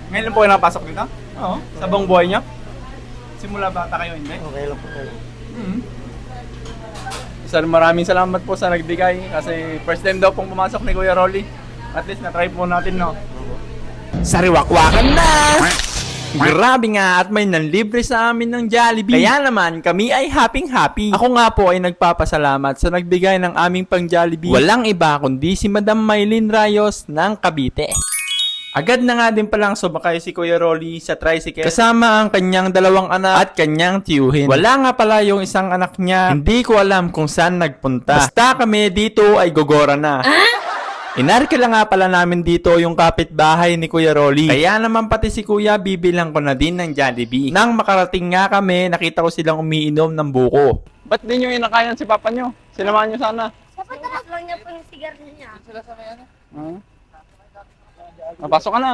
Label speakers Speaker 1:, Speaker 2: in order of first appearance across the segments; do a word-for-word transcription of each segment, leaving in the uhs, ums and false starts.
Speaker 1: Ngayon lang po kayo nakapasok dito? Oo. Sa buong buhay niyo? Simula bata kayo, hindi?
Speaker 2: Okay lang po kayo.
Speaker 1: Mm-hmm. Sir, maraming salamat po sa nagbigay kasi first time daw pong pumasok ni Kuya Rolly. At least na-try po natin, no? Sariwakwakan na! Grabe nga at may nanlibre sa amin ng Jollibee. Kaya naman kami ay happy-happy. Ako nga po ay nagpapasalamat sa nagbigay ng aming pang Jollibee. Walang iba kundi si Madam Maylin Rayos ng Cavite. Agad na nga din palang sumakay si Kuya Rolly sa tricycle kasama ang kanyang dalawang anak at kanyang tiyuhin. Wala nga pala yung isang anak niya. Hindi ko alam kung saan nagpunta. Basta kami dito ay gogora na. Inarkila nga pala namin dito yung kapitbahay ni Kuya Rolly. Kaya naman pati si Kuya bibilang ko na din ng Jollibee. Nang makarating nga kami, nakita ko silang umiinom ng buko. Ba't di nyo inakayan si papa nyo? Sinamahan nyo sana.
Speaker 3: Napatakas lang niya po yung sigarilyo niya.
Speaker 1: Sila sa may ano? Hmm? Napasok ka na.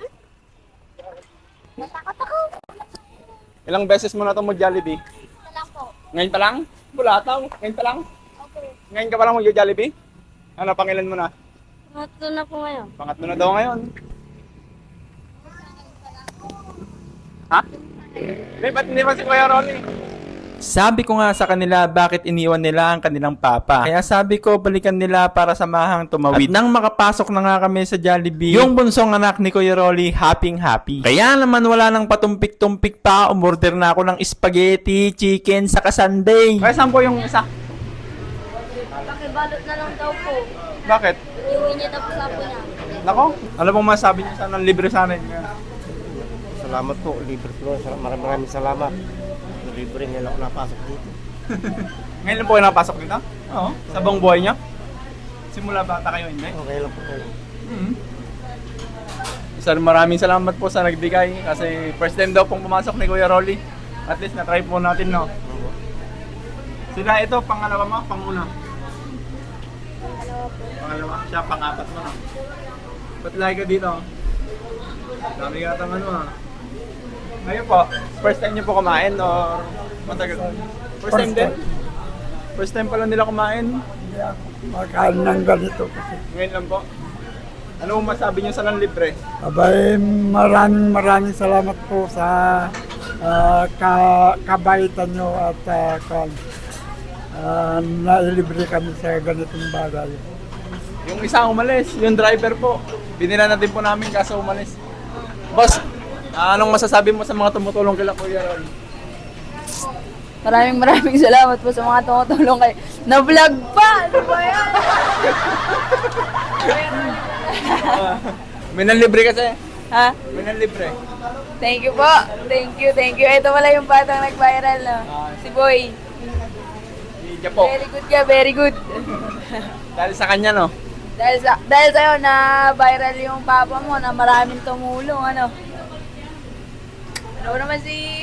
Speaker 3: Natakot ako.
Speaker 1: Ilang beses mo na ito mag-Jollibee?
Speaker 3: Ito lang po.
Speaker 1: Ngayon pa lang? Bulataw. Ngayon pa lang?
Speaker 3: Okay.
Speaker 1: Ngayon ka pa lang mag-Jollibee? Ano, pangilan mo na?
Speaker 3: Mato na po ngayon.
Speaker 1: Pangatlo na daw ngayon. Ha? Hindi, ba't hindi pa si Kuya Rolly? Sabi ko nga sa kanila bakit iniwan nila ang kanilang papa. Kaya sabi ko balikan nila para samahang tumawid. At nang makapasok na nga kami sa Jollibee, yung bunsong anak ni Kuya Rolly happy happy. Kaya naman wala nang patumpik-tumpik pa, umorder na ako ng spaghetti, chicken, saka sundae. Kaya saan po yung isa?
Speaker 3: Pakibalot na lang daw po.
Speaker 1: Bakit?
Speaker 3: Iuwi niya na po sa po niya.
Speaker 1: Nako, ano pong masabi niyo sana libre sa amin?
Speaker 2: Salamat po, libre po. Maraming maraming salamat. Libre nila ako napasok dito.
Speaker 1: Ngayon lang po kayo nakapasok dito? Oo. Sa buong buhay niyo? Simula bata kayo, hindi?
Speaker 2: Okay lang po kayo.
Speaker 1: Mm-hmm. Sir, maraming salamat po sa nagbigay kasi first time daw pong pumasok ni Kuya Rolly. At least na-try po natin, no? Sila ito, pangalawa mo, panguna?
Speaker 3: Dalawa po.
Speaker 1: Pangalawa, siya pang-apat mo, no? Ba't lagi ka dito? Dami yata ano, ah. Ngayon po, first time niyo po kumain or matagal? First time din? First time pala nila kumain?
Speaker 4: Makain ng ganito kasi.
Speaker 1: Ngayon lang po. Ano mo masabi niyo sa libre?
Speaker 4: Abay, maraming maraming salamat po sa ah, ka, kabaitan nyo at uh, kan, ah, nailibre kami sa ganitong bagay.
Speaker 1: Yung isa umalis, yung driver po. Binila na din po namin kaso umalis. Boss, ah, anong masasabi mo sa mga tumutulong kila Kuya Ron?
Speaker 5: Maraming maraming salamat po sa mga tumutulong kay na-vlog pa! Ano ba yan?
Speaker 1: May nanlibre kasi.
Speaker 5: Ha?
Speaker 1: May nanlibre.
Speaker 5: Thank you po. Thank you, thank you. Ito pala yung batang nag-viral, no? Si Boy.
Speaker 1: Hindi po.
Speaker 5: Very good ka, very good.
Speaker 1: Dahil sa kanya, no?
Speaker 5: dahil sa dahil sa'yo na viral yung papa mo na maraming tumulong, ano? Ano naman si...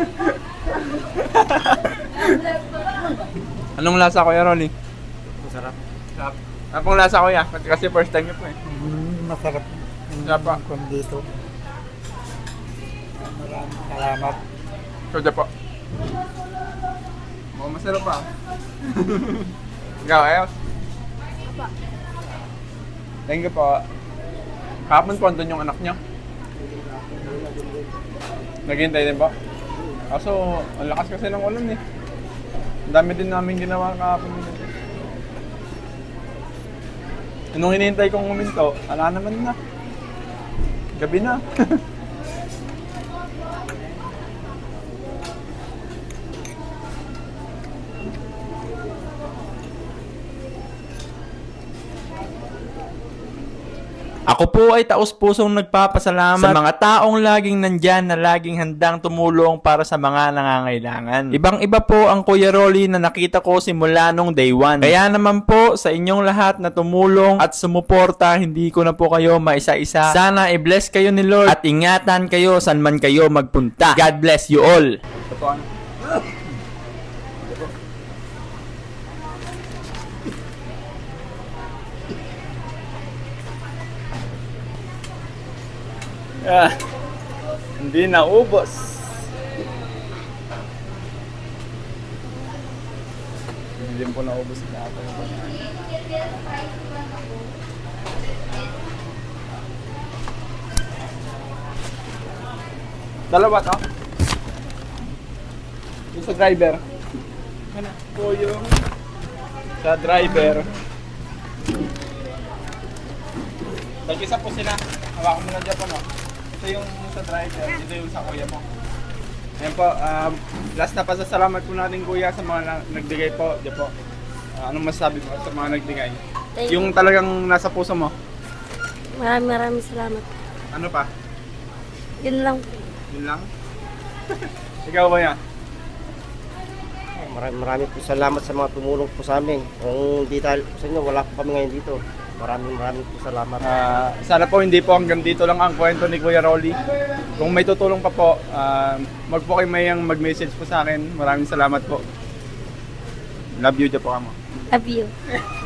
Speaker 1: Anong lasa, Kuya Rolly?
Speaker 2: Masarap.
Speaker 1: Sarap. Ano pong lasa, Kuya? Kasi first time niyo po eh.
Speaker 4: Mm, masarap
Speaker 1: Sarap pa.
Speaker 4: kung dito. Maraming salamat.
Speaker 1: Soda po. Mukhang masarap pa. Ikaw, ayos? Thank you po. Kahapon po, andun yung anak niya. Naghihintay din po. Kaso, ang lakas kasi ng ulan eh. Ang dami din namin ginawa kahapon. Nung hinihintay kong huminto, ala naman na. Gabi na. Ako po ay taos-pusong nagpapasalamat sa mga taong laging nandyan na laging handang tumulong para sa mga nangangailangan. Ibang-iba po ang Kuya Rolly na nakita ko simula nung day one. Kaya naman po sa inyong lahat na tumulong at sumuporta, hindi ko na po kayo maisa-isa. Sana i-bless kayo ni Lord at ingatan kayo saan man kayo magpunta. God bless you all. Ah, hindi na ubos. Hindi po na ubos na ako. Dalawa to. Yung sa driver. Ano po yung sa driver. Tag-isa po sila. Hawakan mo na dyan po, no? Ito yung sa driver, ito yung sa kuya mo. Ayan po, um, last na pasasalamat po natin kuya sa mga na- nagbigay po. Diyan po. Ah, anong masasabi mo sa mga nagbigay?
Speaker 3: Thank you.
Speaker 1: Yung talagang nasa puso mo.
Speaker 3: Maraming maraming salamat.
Speaker 1: Ano pa?
Speaker 3: Yun lang po.
Speaker 1: Yun lang? Ikaw kuya?
Speaker 2: Maraming maraming po salamat sa mga tumulong po sa amin. Kung di dahil po sa inyo, wala po kami ngayon dito. Maraming maraming po salamat.
Speaker 1: Ah, sana po hindi po hanggang dito lang ang kwento ni Kuya Rolly. Kung may tutulong pa po, uh, mag po kayo mayang mag-message po sa akin. Maraming salamat po. Love you, Japo Kamo.
Speaker 3: Love you.